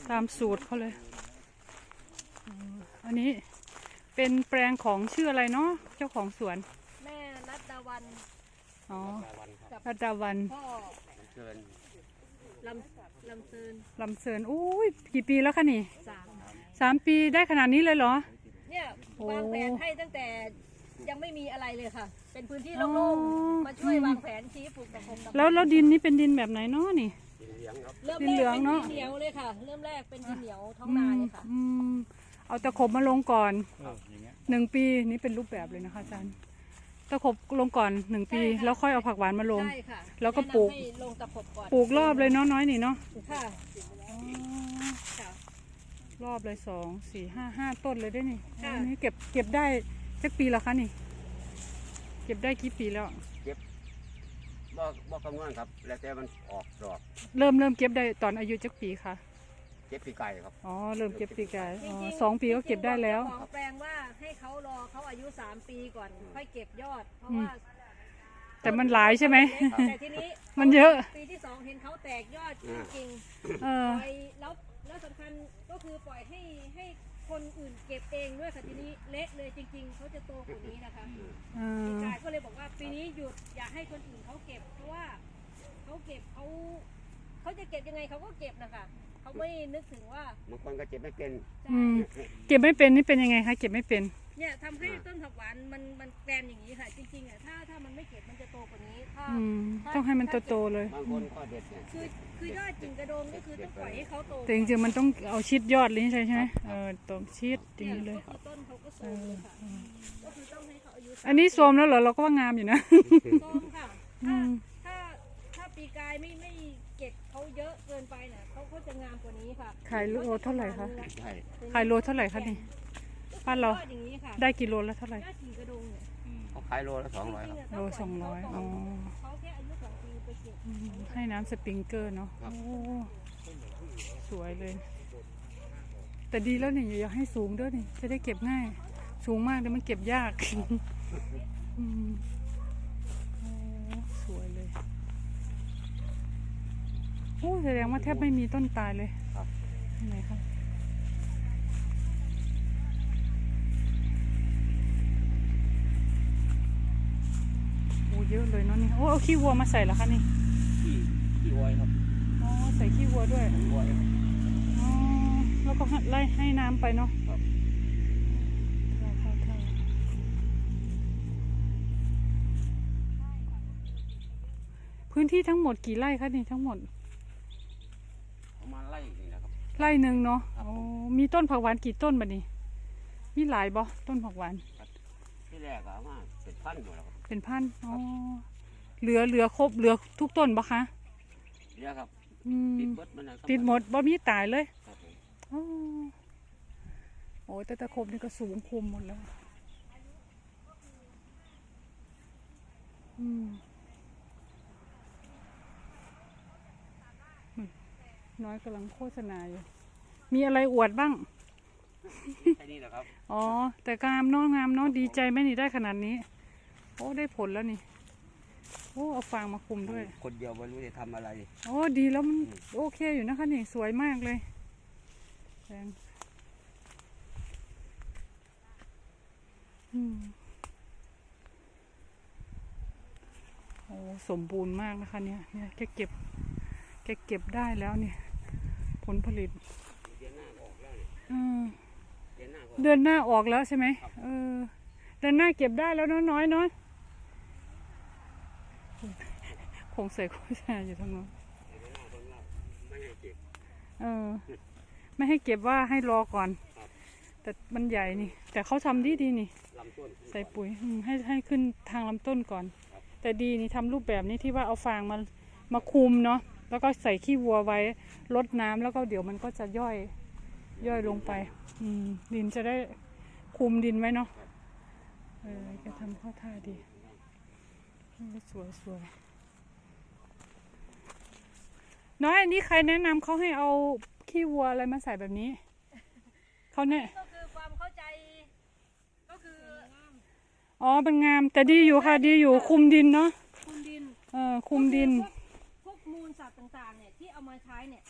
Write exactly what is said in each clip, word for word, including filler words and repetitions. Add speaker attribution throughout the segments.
Speaker 1: ตามสูตรเขาเลยอันนี้เป็นแปลงของชื่ออะไรเนาะเจ้าของสวน
Speaker 2: แม่รัตดาวัน
Speaker 1: อ๋อรัตดาวัน
Speaker 2: พ่อลำเซินลำเซิน
Speaker 1: ลำเซินอุ้ยกี่ปีแล้วคะนี่
Speaker 2: สาม
Speaker 1: สามปีได้ขนาดนี้เลยเหรอ
Speaker 2: เนี่ยวางแผนให้ตั้งแต่ยังไม่มีอะไรเลยค่ะเป็นพื้นที่โล่งๆมาช่วยวางแผนชี้ปลูกตะคม
Speaker 1: แล้วแล้วดินนี้เป็นดินแบบไหนเนาะนี่
Speaker 2: ดินเหลืองเนาะดินเหนียวเลยค่ะเริ่มแรกเป็นดินเหนียวท้องนาเลยค่ะ
Speaker 1: เอาตะขบมาลงก่อนหนึ่งปีนี่เป็นรูปแบบเลยนะคะอาจารย์ตะขบลงก่อนหนึ่งปีแล้วค่อยเอาผักหวานมาลงแล้วก็ปลูกปลูกรอบเลยเนาะน้อยนี่เนาะ
Speaker 2: ค่ะ
Speaker 1: รอบเลยสองสี่ห้าห้าต้นเลยได้นี่อันนี้เก็บเก็บได้สักปีแล้วคะนี่เก็บได้กี่ปีแล้ว
Speaker 3: เก็บบ่บ่คำนวณครับแล้วแต่มันออกดอก
Speaker 1: เริ่มเริ่มเก็บได้ตอนอายุจักปีค่ะ
Speaker 3: เก็บปีไก่ครับ
Speaker 1: อ๋อเริ่มเก็บปีไก่อ๋อสองปีก็เก็บได้แล้ว
Speaker 2: ของแปลงว่าให้เขารอเขาอายุสามปีก่อนค่อยเก็บยอดเพราะว่า
Speaker 1: แต่มันหลายใช่ไหม
Speaker 2: แต่ทีนี้
Speaker 1: มันเยอะ
Speaker 2: ปีที่สองเห็นเขาแตกยอดจริง
Speaker 1: ๆป
Speaker 2: ล่อยแล้วแล้วสำคัญก็คือปล่อยให้ให้คนอื่นเก็บเองด้วยค่ะทีนี้เละเลยจริงๆเขาจะโตกว่านี้นะคะพี่ชายก็เลยบอกว่าปีนี้หยุดอย่าให้คนอื่นเขาเก็บเพราะว่าเขาเก็บเขาเขาจะเก็บยังไงเขาก็เก็บนะคะเขาไม่นึกถึงว่า
Speaker 3: บางคนก็เก็บไม่เป็น
Speaker 1: เก็บไม่เป็นนี่เป็นยังไงคะเก็บไม่เป็น
Speaker 2: เนี่ยทำให้ต้นผักหวานมันมันแกรนอย่างนี้ค่ะจริงๆอ่ะถ้าถ้ามันไม่เก็บมันจะโตกว่านี้ถ้า
Speaker 1: ต้องให้มันโตๆเลย
Speaker 3: บางคนก็เด็ด
Speaker 2: คือคือยอดกิ่งกระโดงก็คือต้องปล่อยให้เขาโต
Speaker 1: แต่จริงๆมันต้องเอาชิดยอดเลยใช่ไหมเออต้องชิดอย่างนี้เลย
Speaker 2: ต้นเขาก็โตเลยค่ะก็คือต้องให้เขาอายุ
Speaker 1: อันนี้โซมแล้วเหรอเราก็ว่างามอยู่นะ
Speaker 2: โซมค่ะถ้าถ้าถ้าปีกายไม่ไม่เก็บเขาเยอะเกินไปเนี่ยเขาเขาจะงามกว่านี้ค่ะ
Speaker 1: ขายโลเท่าไหร่คะขายโลเท่าไหร่คะนี่บ้านเราได้กิโลละเท่าไหร่
Speaker 3: เขาขายโลละสองร้อยครับ
Speaker 1: โลสองร้อยอ๋อให้น้ำสปริงเกอร์เนาะโอ้สวยเลยแต่ดีแล้วนี่อย่าให้สูงด้วยนี่จะได้เก็บง่ายสูงมากเดี๋ยวมันเก็บยากสวยเลยโอ้แสดงว่าแทบไม่มีต้นตายเลย
Speaker 3: ครับ
Speaker 1: ไหนครับเยอะเลยเนาะนี่โอ้เอาขี้วัวมาใส่แล้วคะนี่
Speaker 3: ขี้ขี้วัวครับ
Speaker 1: อ๋อใส่ขี้วัวด้วย
Speaker 3: วัวครับ
Speaker 1: อ๋อแล้วก็ไล่ให้น้ำไปเนาะครับพื้นที่ทั้งหมดกี่ไร่คะนี่ทั้งหมด
Speaker 3: ประมาณไร่นี่นะครับ
Speaker 1: ไร่หนึ่งเนาะอ๋อมีต้นผักหวานกี่ต้นบัดนี้มีหลายบ่ต้นผักหวาน
Speaker 3: ที่แรกอะว่าเป็นพันอยู่แล้วครับ
Speaker 1: เป็นพันอ๋อเหลือเหลือครบเหลือทุกต้นปะคะ
Speaker 3: เหลือครับ
Speaker 1: ติดหมดมันติดหมดบ่มีตายเลยอ๋อโอ้แต่ตะครบนี่ก็สูงคุมหมดแล้วอืมน้อยกำลังโฆษณาอยู่มีอะไรอวดบ้าง
Speaker 3: แค่นี้แหละครับ
Speaker 1: อ๋อแต่งามเนาะงามเนาะดีใจไหมนี่ได้ขนาดนี้โอ้ได้ผลแล้วนี่โอ้เอาฟางมาคุมด้วย
Speaker 3: คนเดียวไม่รู้จะทำอะไร
Speaker 1: โอ้ดีแล้วมันโอเคอยู่นะคะนี่สวยมากเลยแดงอืมโอ้สมบูรณ์มากนะคะเนี่ยเนี่ยแกเก็บแกเก็บได้แล้วเนี่ยผลผลิตเดือนหน้าออกแล้วใช่ไหมเออเดือนหน้าเก็บได้แล้วน้อยน้อยน้อยคงใส่โฆษณาอยู่ทั้งนั้นเออไม่ให้เก็บว่าให้รอก่อนแต่มันใหญ่นี่แต่เขาทำดีดีนี่ใส่ปุ๋ยให้ให้ขึ้นทางลำต้นก่อนแต่ดีนี่ทำรูปแบบนี้ที่ว่าเอาฟางมามาคุมเนาะแล้วก็ใส่ขี้วัวไว้รดน้ำแล้วก็เดี๋ยวมันก็จะย่อยย่อยลงไปอืมดินจะได้คุมดินไว้เนาะเออจะทำข้อท่าดีสวยสวยน้อยอันนี้ใครแนะนำเขาให้เอาขี้วัวอะไรมาใส่แบบนี้เขาเนี่ย
Speaker 2: ก็คือความเข้าใจก็คือ
Speaker 1: อ๋อเป็นงามแต่ดีอยู่ค่ะดีอยู่คุมดินเนาะ
Speaker 2: คุมดิน
Speaker 1: เออคุมดิน
Speaker 2: พวกมูลสัตว์ต่างๆเนี่ยที่เอามาใช้เนี่ยไม่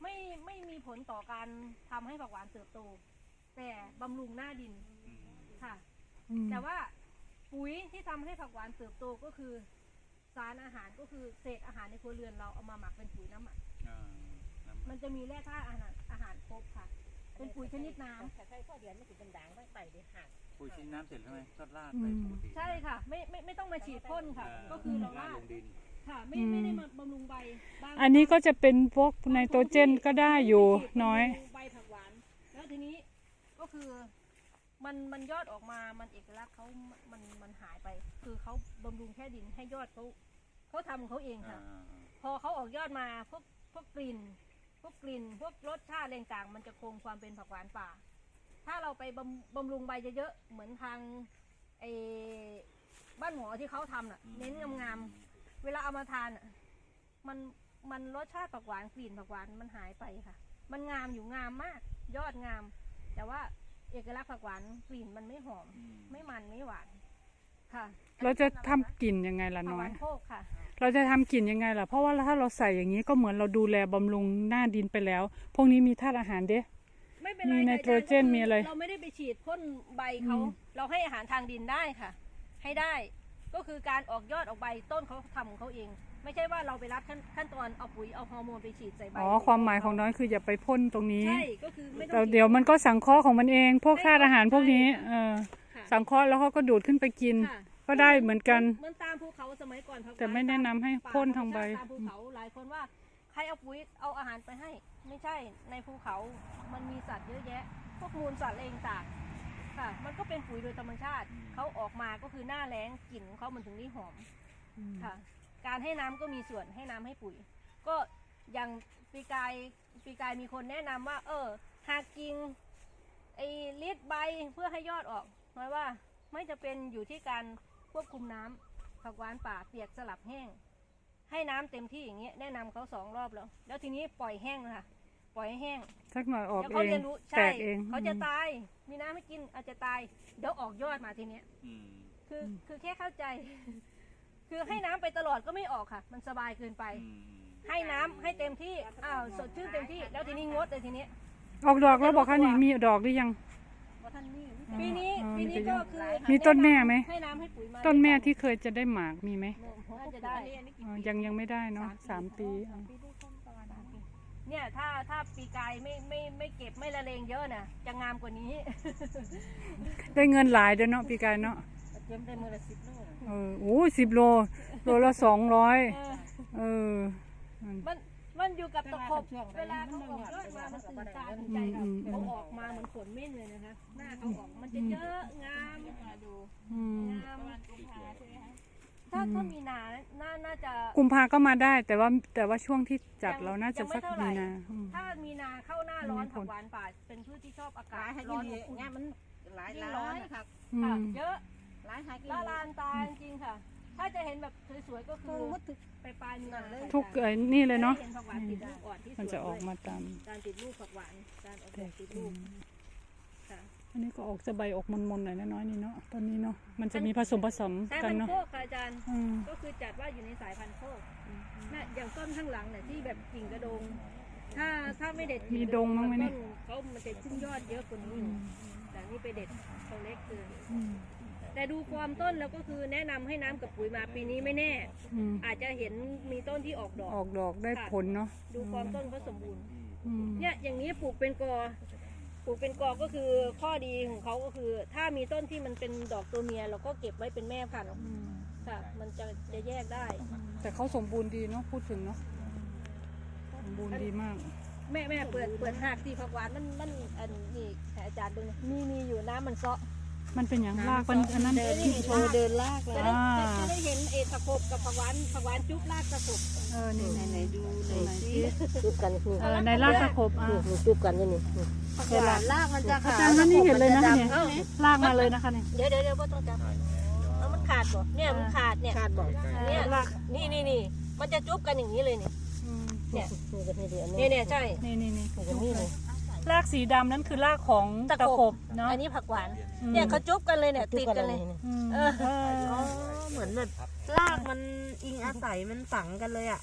Speaker 2: ไม่ไม่มีผลต่อการทำให้ผักหวานเติบโต แต่บำรุงหน้าดินค่ะ
Speaker 1: อืม
Speaker 2: แต่ว่าปุ๋ยที่ทำให้ผักหวานเติบโตก็คือสารอาหารก็คือเศษอาหารในครัวเรือนเราเอามาหมักเป็นปุ๋ยน้ำหมัก
Speaker 4: อ่าน้ำ
Speaker 2: มันจะมีแร่ธาตุอาหารอาหารครบค่ะ เป็นปุ๋ยชนิดน้ำ
Speaker 5: แต่ใช้ข้อเดียนไม่ติดเป็นด่างไม่ไปเดี๋ยวหัก
Speaker 4: ปุ๋ยชิ้นน้ำเสร็จแล้วไหมก็ราดไปปกติ
Speaker 2: ใช่ค่ะ ไม่ไม่ไม่ต้องมาฉีดพ่นค่ะ
Speaker 4: อ่า
Speaker 2: ก็คือเรา
Speaker 4: ราด
Speaker 2: ลา
Speaker 4: ล
Speaker 2: ด
Speaker 4: งดิน
Speaker 2: ค่ะไม่ไม่ได้มาบำรุงใบบ้าง
Speaker 1: อันนี้ก็จะเป็นพวกไนโตรเจนก็ได้อยู่น้อย
Speaker 2: บำรุงใบผักหวาน แล้วทีนี้ก็คือมันมันยอดออกมามันเอกลักษณ์เขามันมันหายไป คือเขาบำรุงแค่ดินให้ยอดเขาเขาทำของเขาเอง
Speaker 4: อ่า
Speaker 2: ค่ะ
Speaker 4: อ่าอ่า
Speaker 2: พอเขาออกยอดมาพวกพวกกลิ่น พวกกลิ่น พวกรสชาติอะไรต่างๆมันจะคงความเป็นผักหวานป่า ถ้าเราไปบำบำรุงใบเยอะๆเหมือนทางไอ้บ้านหมอที่เขาทำน่ะ เน้นงามๆเวลาเอามาทานน่ะมันมันรสชาติผักหวานกลิ่นผักหวานมันหายไปค่ะ มันงามอยู่งามมาก ยอดงาม แต่ว่าเอกลักษณ์ผักหวานกลิ่นมันไม่หอม
Speaker 4: อืม
Speaker 2: ไม่มันไม่หวานค่ะ
Speaker 1: เราจะทำกลิ่นยังไงล่ะ
Speaker 2: ผัก
Speaker 1: น้
Speaker 2: ห
Speaker 1: อ
Speaker 2: วาย นโคกค่ะ
Speaker 1: เราจะทำกลิ่นยังไงล่ะ เพราะว่าถ้าเราใส่อย่างนี้ก็เหมือนเราดูแลบำรุงหน้าดินไปแล้ว พวกนี้มีธาตุอาหารเด้
Speaker 2: ไม่เป็นไร
Speaker 1: มีไน
Speaker 2: ค่ะ
Speaker 1: โตรเจน
Speaker 2: อาจาย์
Speaker 1: มีอะไร
Speaker 2: เราไม่ได้ไปฉีดพ่นใบเขา
Speaker 1: อืม
Speaker 2: เราให้อาหารทางดินได้ค่ะ ให้ได้ ก็คือการออกยอดออกใบต้นเขาทำของเขาเอง ไม่ใช่ว่าเราไปรับขั้นขั้นตอนเอาปุ๋ยเอาฮอร์โมนไปฉีดใส่ใบ
Speaker 1: อ๋อความหมายของน้อยคืออย่าไปพ่นตรงนี้
Speaker 2: ใช่ก็คือไม่ต้
Speaker 1: แต่
Speaker 2: องฉี
Speaker 1: เดี๋ยวมันก็สังเคราะห์ของมันเอง พวกธาตุอาหารพวกนี้ เออ
Speaker 2: ค่ะ
Speaker 1: สังเคราะห์แล้วเขาก็ดูดขึ้นไปกิน
Speaker 2: ค่ะ
Speaker 1: ก็ได้เหมือนกัน
Speaker 2: เหมือนตามภูเขาสมัยก่อนผักหวาน
Speaker 1: แต่ไม่แนะนำให้
Speaker 2: ป่
Speaker 1: พ่นทางใบ
Speaker 2: ตามภูเขาหลายคนว่าใครเอาปุ๋ยเอาอาหารไปให้ ไม่ใช่ในภูเขา มันมีสัตว์เยอะแยะ พวกมูลสัตว์อะไรต่างๆค่ะ มันก็เป็นปุ๋ยโดยธรรมชาติ เขาออกมาก็คือหน้าแล้งกลิ่นของเขามันถึงได้หอมค่ะ การให้น้ำก็มีส่วนให้น้ำให้ปุ๋ย ก็อย่างปีกายปีกายมีคนแนะนำว่า เออหากกิ่งไอ้ลิดใบเพื่อให้ยอดออกหมายว่าไม่จะเป็นอยู่ที่การควบคุมน้ำผักหวานป่าเปียกสลับแห้ง ให้น้ำเต็มที่อย่างเงี้ยแนะนำเขาสองรอบแล้ว แล้วทีนี้ปล่อยแห้งนะคะปล่อยให้แห้ง
Speaker 1: สักหน่อยออก
Speaker 2: เดี๋ยว
Speaker 1: เอ
Speaker 2: เขา
Speaker 1: ง
Speaker 2: เรียนรู้
Speaker 1: แต
Speaker 2: ใช่
Speaker 1: กเอง
Speaker 2: เขาจะตาย มีน้ำให้กินอาจจะตายเดี๋ยวออกยอดมาทีเนี้ย
Speaker 4: อืม
Speaker 2: คือคือแค่เข้าใจ คือให้น้ำไปตลอดก็ไม่ออกค่ะ มันสบายเกินไป
Speaker 4: อืม
Speaker 2: ให้น้ำให้เต็มที่อ้าวสดชื่นเต็มที่ แล้วทีนี้งดเลยทีนี้
Speaker 1: ออกดอกแล้วบอกค่ะนี่มีดอกหรือยัง
Speaker 2: ปีนี้
Speaker 1: อ๋อ
Speaker 2: ปีนี้
Speaker 1: มันจะ
Speaker 2: ก็คือ
Speaker 1: มีต้นแม่ไหม
Speaker 2: ให้น้ำให้ปุ๋ยมา
Speaker 1: ต้นแม่ที่เคยจะได้หมากมีไหม
Speaker 2: น่าจะได้
Speaker 1: อ๋อยังยังไม่ได้เนาะสามปีอ๋อ
Speaker 2: เนี่ยถ้าถ้าปีกายไม่ไม่ไม่เก็บไม่ละเลงเยอะน่ะจะงามกว่านี้
Speaker 1: ได้เงินหลายเด้อเนาะปีกายเนาะ
Speaker 2: เก็บได้มือละสิบโล
Speaker 1: เออโอ้สิบโลโลละสองร้อย
Speaker 2: เออ
Speaker 1: เออ
Speaker 2: มันมันอยู่กับตะขบเวลาเขาออกยอดมามันตื่นตาตื่นใจค่ะเขาออกมาเหมือนฝนเม็ดเลยนะคะหน้าเขาออกมันจะเยอะงามดู
Speaker 1: อืม
Speaker 2: งามถ้าถ้ามีนาน่าน่าจะ
Speaker 1: กุมภาก็มาได้ แต่ว่าแต่ว่าช่วงที่จัด
Speaker 2: ยัง
Speaker 1: เราน่าจะ
Speaker 2: ยังไม่
Speaker 1: สัก
Speaker 2: เท่าไหร่
Speaker 1: มีนาอืม
Speaker 2: ถ้ามีนาเข้าหน้าร้อนผักหวานป่าเป็นพืชที่ชอบอากา
Speaker 5: หลา
Speaker 2: ศ
Speaker 5: ยหา
Speaker 2: ร้
Speaker 5: กิ
Speaker 2: อน
Speaker 5: น
Speaker 2: อบอุ่น
Speaker 5: เงี้ยมันหลาย
Speaker 2: ยิ่ง
Speaker 5: ร้
Speaker 2: ร้
Speaker 5: อ
Speaker 2: อน น
Speaker 5: นะครับ
Speaker 1: อื
Speaker 2: ค่ะ
Speaker 1: ม
Speaker 2: เยอะ
Speaker 5: หลายหากิน
Speaker 2: ละลานตาจริงๆค่ะ ถ้าจะเห็นแบบสวยๆก็คื
Speaker 5: คือ
Speaker 2: อ
Speaker 5: มุดถึก
Speaker 2: ไปปลายมีนาเลย
Speaker 1: ทุกเอ้ยนี่เลยเนาะ
Speaker 2: เห็นผักหวานติดลูกอ่อนที่สวย
Speaker 1: มันจะออกมาตาม
Speaker 2: การติดลูกผักหวานการออกดอกติดลูกค่ะ
Speaker 1: อันนี้ก็ออกจะใบออกมนๆหน่อยน้อยๆนี่เนาะตอนนี้เนาะมันจะมีผสมผสม
Speaker 2: สาย
Speaker 1: กั
Speaker 2: พั
Speaker 1: น
Speaker 2: นธุ์
Speaker 1: เนาะ
Speaker 2: โคกค่ะอาจารย์
Speaker 1: อืม
Speaker 2: ก็คือจัดว่าอยู่ในสายพันธุ์โคกน่ะอย่างต้นข้างหลังเนี่ยที่แบบกิ่งกระโดง ถ้าถ้าไม่เด็ดกิ่
Speaker 1: มีดงมั้งไหมเนี่ย
Speaker 2: ต้เขามันจะขึ้นยอดเยอะกว่านี้แต่นี่ไปเด็ดเขาเล็กเกิน
Speaker 1: อืม
Speaker 2: แต่ดูความต้นแล้วก็คือแนะนำให้น้ำกับปุ๋ยมาปีนี้ไม่แน่
Speaker 1: อืม
Speaker 2: อาจจะเห็นมีต้นที่ออกดอก
Speaker 1: ออกดอกได้ผลเนาะ
Speaker 2: ดูความต้นเขาสมบูรณ์
Speaker 1: อืม
Speaker 2: เนี่ยอย่างนี้ปลูกเป็นกอ ปลูกเป็นกอก็คือข้อดีของเขาก็คือ ถ้ามีต้นที่มันเป็นดอกตัวเมียเราก็เก็บไว้เป็นแม่พันธุ์
Speaker 1: อืม
Speaker 2: ค่ะ มันจะจะแยกได้
Speaker 1: แต่เขาสมบูรณ์ดีเนาะพูดถึงเนาะสมบูรณ์ดีมาก
Speaker 2: แม่แม่เปิดเปิดหากที่ผักหวานมันมันอันนี้ให้อาจารย์ดูหน่อยมีมีอยู่น้ำมันเซาะ
Speaker 1: มันเป็นอย่างรากมันอันนั้น
Speaker 2: เดิน
Speaker 1: ที่
Speaker 2: โชว์เดินลากเลยจะได้
Speaker 1: อ่า
Speaker 2: จะได้เห็นเอตะขบกับผักหวานผักหวานจุ๊บลากตะขบ
Speaker 1: เออนี่ไหนไหนดูหน่อยสิ
Speaker 5: จุบกันนี่
Speaker 1: เออในรากตะขบอ่ะ
Speaker 5: นี่จุบกันนี่นี่
Speaker 2: ผักหวานลากมันจะ
Speaker 1: อา
Speaker 2: ขาด
Speaker 1: จารย์นั่นนี่เห็นเลยนะคะ
Speaker 5: ดำ
Speaker 1: เนี่ยลากมาเลยนะคะเนี่ย
Speaker 2: เดี๋ยวเดี๋ยวเดี๋ยวพ่อต้องจับเอามันขาดบ่เนี่ยมันขาดเนี่ย
Speaker 5: ขาดบอก
Speaker 2: เนี่ยนี่นี่นี่มันจะจุ๊บกันอย่างนี้เลยเนี่ย
Speaker 1: อืม
Speaker 2: เนี่ย
Speaker 5: นี่ก็นี่เดียว
Speaker 2: เนี่ยเนี่ยใช่
Speaker 1: นี่นี่นี่
Speaker 5: นี่ก็นี่เลย
Speaker 1: รากสีดำนั่นคือรากของตะขบเนาะ
Speaker 2: อันนี้ผักหวาน
Speaker 1: อืม
Speaker 2: เนี่ยเขาจุ๊บกันเลยเนี่ยติดกันเลย
Speaker 1: อืม
Speaker 2: เออ
Speaker 1: เออ
Speaker 5: อ๋อเหมือนแบบรากมันอิงอาศัยมันฝังกันเลยอ่ะ
Speaker 1: อ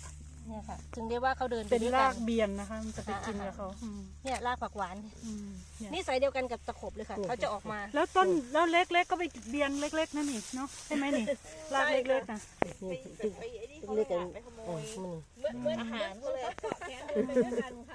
Speaker 5: เนี่ยค่ะ ถึงได้ว่าเขาเดินไป
Speaker 1: เป็น
Speaker 5: ด้วย
Speaker 1: รา
Speaker 5: กั
Speaker 1: ก
Speaker 5: น
Speaker 1: เบียนนะคะ มันจะไปกินกับเขาอืม
Speaker 5: เนี่ยรากผักหวาน
Speaker 1: อืมเนี่ย
Speaker 5: นี่สายเดียวกันกับตะขบเลยค่ะเขาจะออกมา
Speaker 1: แล้วต้นแล้วเล็กๆก็ไปเบียนเล็กๆนั่นนี่เนาะใช่ไหมนี่รากเล็กๆนะ
Speaker 5: นี่ตึกเล็กกันเออมัน
Speaker 2: เหมือนเหมือนอาหารเขาเลยเกาะแขนเดินไปด้วยกันค่ะ